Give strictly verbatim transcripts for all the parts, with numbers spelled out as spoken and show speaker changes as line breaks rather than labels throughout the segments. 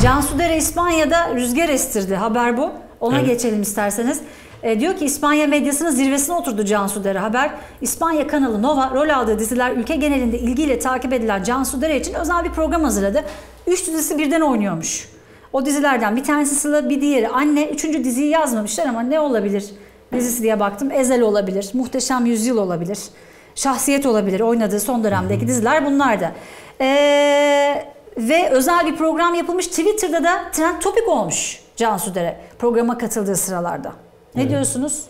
Cansu Dere İspanya'da rüzgar estirdi. Haber bu. Ona evet. geçelim isterseniz. E, diyor ki İspanya medyasının zirvesine oturdu Cansu Dere. Haber, İspanya kanalı Nova rol aldığı diziler ülke genelinde ilgiyle takip edilen Cansu Dere için özel bir program hazırladı. Üç dizisi birden oynuyormuş. O dizilerden bir tanesi Sıla, bir diğeri Anne. Üçüncü diziyi yazmamışlar ama ne olabilir dizisi diye baktım. Ezel olabilir, Muhteşem Yüzyıl olabilir, Şahsiyet olabilir. Oynadığı son dönemdeki diziler bunlardı. Eee... Ve özel bir program yapılmış. Twitter'da da trend topik olmuş Cansu Dere programa katıldığı sıralarda. Ne evet. diyorsunuz?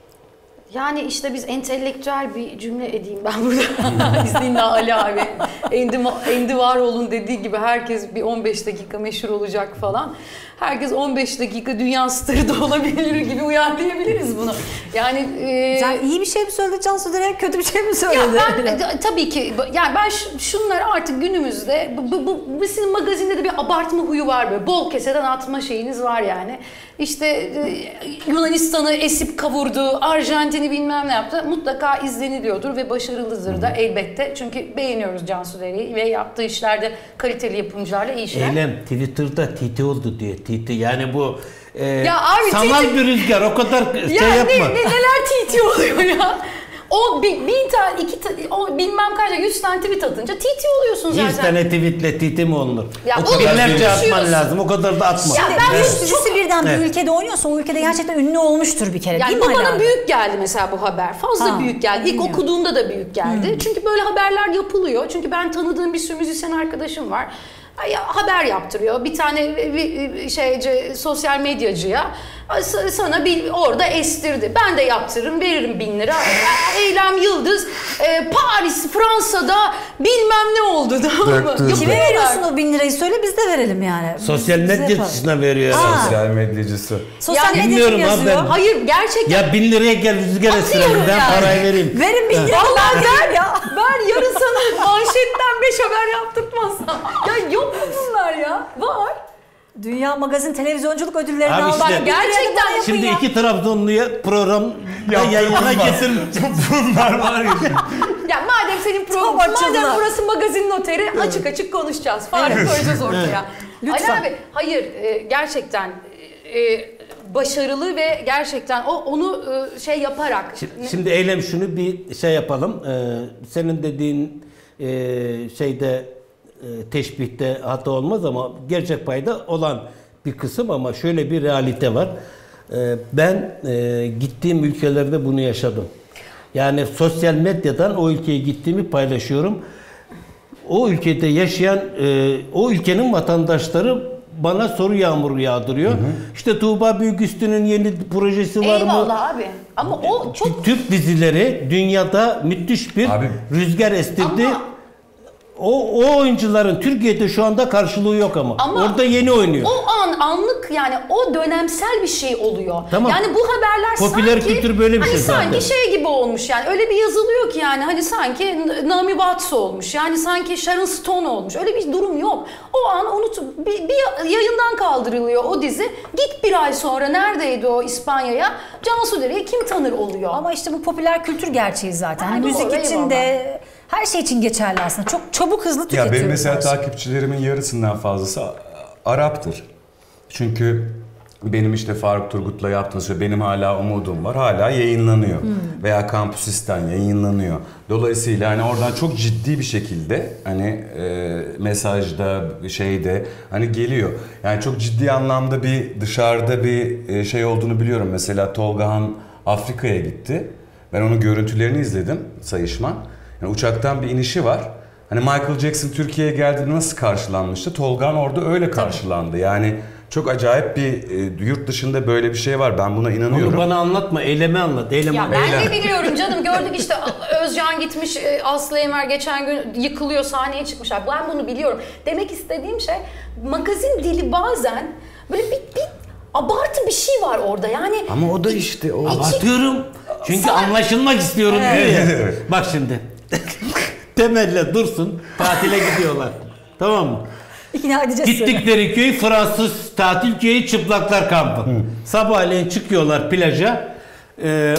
Yani işte biz entelektüel bir cümle edeyim ben burada. İzninle Ali abi. Endi, Endi Varoğlu'nun dediği gibi herkes bir on beş dakika meşhur olacak falan. Herkes on beş dakika dünya starı da olabilir gibi uyarlayabiliriz bunu. Yani
e... Sen iyi bir şey mi söyledi Cansu Dere, kötü bir şey mi söyledi?
Ya ben tabii ki yani ben şunları artık günümüzde bu, bu, bu sizin magazinde de bir abartma huyu var böyle. Bol keseden atma şeyiniz var yani. İşte Yunanistan'ı esip kavurdu, Arjantin'i bilmem ne yaptı. Mutlaka izleniliyordur ve başarılıdır da elbette. Çünkü beğeniyoruz Cansu Dere'yi ve yaptığı işlerde kaliteli yapımcılarla iyi işler.
Eylem Twitter'da titi oldu diyor. Titi yani bu e,
ya abi,
sanal titi... bir rüzgar o kadar
ya
şey yapma.
Ne, ne, neler titi oluyor ya. O bin, bin tane, iki tane, o bilmem kaç, yüz tane tweet atınca titi oluyorsun zaten.
Yüz tane tweetle titi mi olunur?
Ya
o binlerce atman lazım, o kadar da atma.
Ya ben evet. Dizisi çok... birden evet. bir ülkede oynuyorsa o ülkede gerçekten ünlü olmuştur bir kere
yani
değil
bu
mi?
Bana büyük geldi mesela bu haber. Fazla ha, büyük geldi. İlk bilmiyorum. Okuduğumda da büyük geldi. Hmm. Çünkü böyle haberler yapılıyor. Çünkü ben tanıdığım bir sürü müzisyen arkadaşım var. Haber yaptırıyor. Bir tane bir şeyce sosyal medyacıya sana bir orada estirdi. Ben de yaptırırım, veririm bin lira. Eylem Yıldız e, Paris, Fransa'da bilmem ne oldu.
Kime veriyorsun o bin lirayı söyle biz de verelim yani.
Sosyal medyacısına veriyor.
Sosyal medyacısı.
Sosyal yani, medyacı yazıyor.
Ben,
Hayır gerçekten.
Ya bin liraya gel rüzgar estirelim ben yani. Parayı vereyim.
Verin bin lira.
Vallahi ver ya. Ver yarın sana manşetten beş haber yaptırtmazsam. Ya yok mu bunlar ya? Var.
Dünya Magazin Televizyonculuk Ödülleri'ni aldı.
Işte,
gerçekten
şimdi
ya.
iki Trabzonlu'ya program yayına getirmiş.
Bunlar var ya.
Ya madem senin program, madem burası magazin noteri evet. açık açık konuşacağız. Fare evet. koyacağız ortaya. Evet.
Lütfen.
Ali abi hayır gerçekten başarılı ve gerçekten o onu şey yaparak.
Şimdi, şimdi Eylem şunu bir şey yapalım. Senin dediğin şeyde teşbihte hata olmaz ama gerçek payda olan bir kısım ama şöyle bir realite var. Ben gittiğim ülkelerde bunu yaşadım. Yani sosyal medyadan o ülkeye gittiğimi paylaşıyorum. O ülkede yaşayan, o ülkenin vatandaşları bana soru yağmuru yağdırıyor. Hı hı. İşte Tuğba Büyüküstü'nün yeni projesi var mı?
Eyvallah abi. Ama o çok...
Türk dizileri dünyada müthiş bir abi, rüzgar estirdi. Ama... O, o oyuncuların Türkiye'de şu anda karşılığı yok ama. ama orada yeni oynuyor.
O an anlık yani o dönemsel bir şey oluyor. Tamam. Yani bu haberler
popüler
sanki
kültür böyle bir
hani
şey
sanki
zaten.
şey gibi olmuş yani öyle bir yazılıyor ki yani hani sanki Naomi Watts olmuş. Yani sanki Sharon Stone olmuş. Öyle bir durum yok. O an unut bir, bir yayından kaldırılıyor o dizi. Git bir ay sonra neredeydi o İspanya'ya? Cansu Dere'yi kim tanır oluyor.
Ama işte bu popüler kültür gerçeği zaten. Hani müzik için de her şey için geçerli aslında. Çok çabuk hızlı tüketiyoruz.
Ya benim mesela takipçilerimin yarısından fazlası Arap'tır. Çünkü benim işte Faruk Turgut'la yaptığım şey benim hala umudum var. Hala yayınlanıyor. Hmm. Veya Kampüsistan yayınlanıyor. Dolayısıyla hani oradan çok ciddi bir şekilde hani e, mesajda şeyde hani geliyor. Yani çok ciddi anlamda bir dışarıda bir e, şey olduğunu biliyorum. Mesela Tolga Han Afrika'ya gitti. Ben onun görüntülerini izledim sayışma. Yani uçaktan bir inişi var. Hani Michael Jackson Türkiye'ye geldiğinde nasıl karşılanmıştı? Tolgan orada öyle karşılandı. Yani çok acayip bir e, yurt dışında böyle bir şey var. Ben buna inanıyorum.
Onu bana anlatma, eylemi anlat. Eylemi
ya
anlat.
ben de biliyorum canım. Gördük işte Özcan gitmiş, Aslı Enver geçen gün yıkılıyor, sahneye çıkmışlar. Ben bunu biliyorum. Demek istediğim şey magazin dili bazen böyle bir, bir abartı bir şey var orada yani.
Ama o da işte o.
Abartıyorum. Çünkü Sana... anlaşılmak istiyorum evet. diyor ya. Bak şimdi. Temel'le Dursun tatile gidiyorlar. Tamam mı?
İkna edeceğiz.
Gittikleri köy Fransız tatil köyü çıplaklar kampı. Hı. Sabahleyin çıkıyorlar plaja. Ee,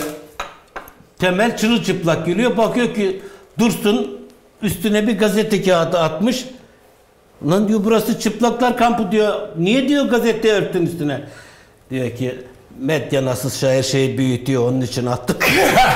Temel çırılçıplak geliyor. Bakıyor ki Dursun üstüne bir gazete kağıdı atmış. Lan diyor burası çıplaklar kampı diyor. Niye diyor gazete örtün üstüne? Diyor ki medya nasıl her şeyi büyütüyor onun için attık.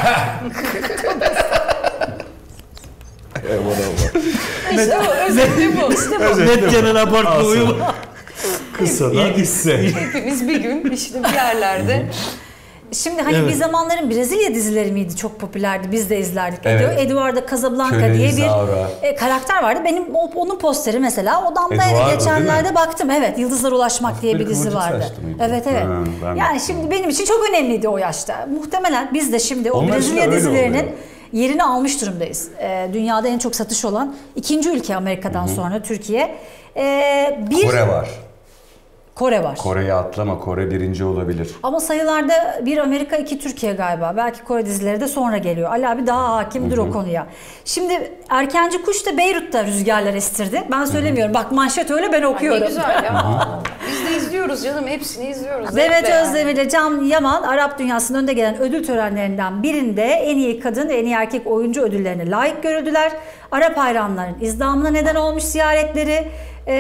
İşte bu, özeti bu. İşte bu.
Medyanın abartma uyumu.
Kısa da hisse.
Hepimiz bir gün işte bir yerlerde.
Şimdi hani
Evet.
bir zamanların Brezilya dizileri miydi çok popülerdi, biz de izlerdik.
Evet.
Eduardo Casablanca
Köle
diye
Isaura.
bir e, karakter vardı. Benim o- onun posteri mesela odamda
Eduardo,
eve
değil
geçenlerde
mi?
baktım. Evet, Yıldızlara Ulaşmak diye bir
Afrika
dizi
Kıvırcık
vardı.
Saçlı mıydı?
Evet evet.
Ha, ben
yani
de-
şimdi benim için çok önemliydi o yaşta. Muhtemelen biz de şimdi o
Onlar için
Brezilya
öyle
dizilerinin
oluyor.
yerini almış durumdayız. E, dünyada en çok satış olan ikinci ülke Amerika'dan sonra Türkiye. E, bir
Kore var.
Kore var.
Kore'yi atlama. Kore birinci olabilir.
Ama sayılarda bir Amerika, iki Türkiye galiba. Belki Kore dizileri de sonra geliyor. Ali abi daha hakimdir o konuya. Şimdi Erkenci Kuş da Beyrut'ta rüzgarlar estirdi. Ben söylemiyorum. Bak manşet öyle, ben
Ay
okuyorum.
ne güzel ya. Biz de izliyoruz canım, hepsini izliyoruz.
Demet
Zevkle yani.
Özdemir ile Can Yaman Arap dünyasının önde gelen ödül törenlerinden birinde en iyi kadın ve en iyi erkek oyuncu ödüllerine layık görüldüler. Arap hayranların izdamına neden olmuş ziyaretleri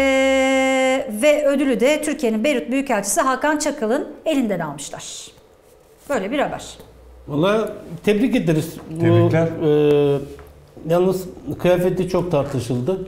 ee, ve ödülü de Türkiye'nin Beyrut Büyükelçisi Hakan Çakal'ın elinden almışlar. Böyle bir haber.
Valla tebrik ederiz. Bu,
Tebrikler.
e, yalnız kıyafeti çok tartışıldı.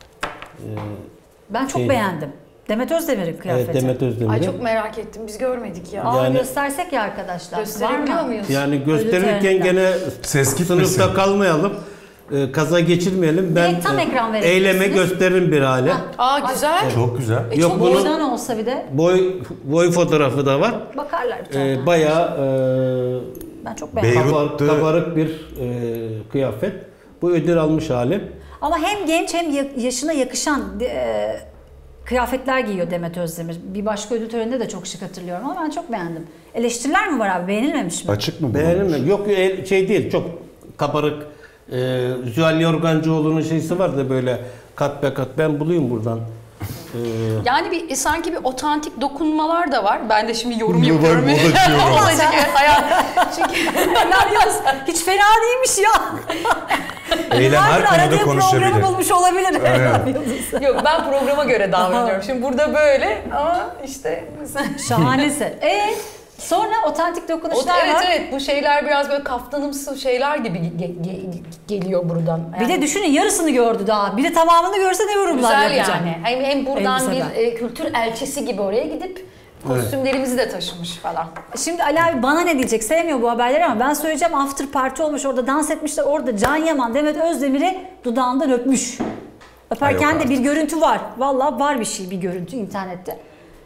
Ben çok
Şey-
beğendim. Demet Özdemir'in kıyafeti.
Evet, Demet Özdemir'in.
Ay çok merak ettim, biz görmedik ya.
Aa,
Yani-
göstersek ya arkadaşlar.
Gösterebiliyor
Var mı?
muyuz?
Yani gösterirken
töreninde.
gene
Ses gitmesin.
sınıfta kalmayalım. E, kaza geçirmeyelim. Ben
Direkt tam
e,
ekran verebilirsiniz.
eyleme gösteririm bir hale.
Aa güzel.
Çok güzel.
E,
Yok
çok
bunu
Boydan olsa bir de
boy boy fotoğrafı da var.
bakarlar bir tane.
E, bayağı e,
Ben çok beğendim.
Beyrut-
kabar- kabarık bir e, kıyafet. Bu ödül almış hali.
Ama hem genç hem ya- yaşına yakışan e, kıyafetler giyiyor Demet Özdemir. Bir başka ödül töreninde de çok şık hatırlıyorum ama ben çok beğendim. Eleştiriler mi var abi? Beğenilmemiş mi?
Açık mı bu?
Beğenilmedi. Yok el- şey değil, çok kabarık. E, Zühal Yorgancıoğlu'nun şeysi var da böyle kat be kat. Ben bulayım buradan. E,
Yani bir e, sanki bir otantik dokunmalar da var. Ben de şimdi yorum
Moda-
yapıyorum.
modacı yorum.
Modacı, evet, hayat. Çünkü
Yalnız hiç fena değilmiş ya.
Eylem her
Yıllardır
konuda
aradığı
konuşabilir.
programı bulmuş olabilir.
Evet.
yok, ben programa göre davranıyorum. Şimdi burada böyle ama işte
Şahanesin. E sonra otantik
O-
dokunuşlar
evet
var.
evet, bu şeyler biraz böyle kaftanımsı şeyler gibi ge- ge- geliyor buradan.
Bir de düşünün, yarısını gördü daha. Bir de tamamını görse ne yorumlar
güzel
yapacak.
yani. Hem, hem buradan
Elbiseden.
bir e, kültür elçisi gibi oraya gidip kostümlerimizi de taşımış falan.
Şimdi Ali abi bana ne diyecek? Sevmiyor bu haberleri ama ben söyleyeceğim. After party olmuş, orada dans etmişler. Orada Can Yaman Demet Özdemir'i dudağından öpmüş. Öperken
Ay, yok
de bir görüntü var. Vallahi var bir şey, bir görüntü internette.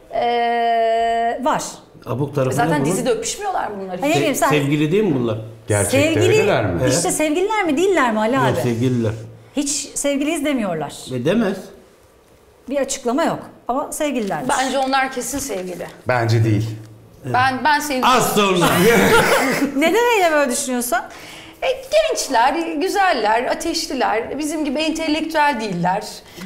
Ee, var.
abuk tarafı
Zaten
ne bunun?
dizide öpüşmüyorlar bunlar.
Ay, ne bileyim sen.
Sevgili değil mi bunlar?
Gerçekte öyleler mi?
İşte sevgililer mi değiller mi Ali
Yok,
abi?
sevgililer.
Hiç sevgiliyiz demiyorlar.
Ve demez.
Bir açıklama yok ama sevgililer.
Bence onlar kesin sevgili.
Bence değil.
Ben ben sevgili.
Az sonra.
Neden öyle böyle düşünüyorsun?
E, gençler, güzeller, ateşliler, bizim gibi entelektüel değiller.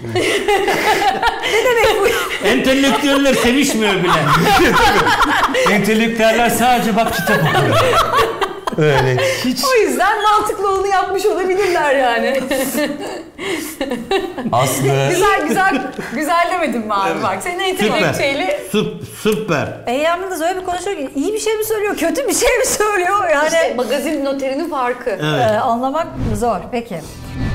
Entelektüeller sevişmiyor bile.
Entelektüeller sadece bak kitap okuyor. Öyle. Hiç.
O yüzden mantıklı olanı yapmış olabilirler yani.
Aslı.
güzel güzel güzel demedim mi abi bak. Senin entelektüeli
Süp, süper.
Eyyam Yıldız öyle bir konuşuyor ki iyi bir şey mi söylüyor, kötü bir şey mi söylüyor yani
işte magazin noterinin farkı.
e, anlamak zor. Peki.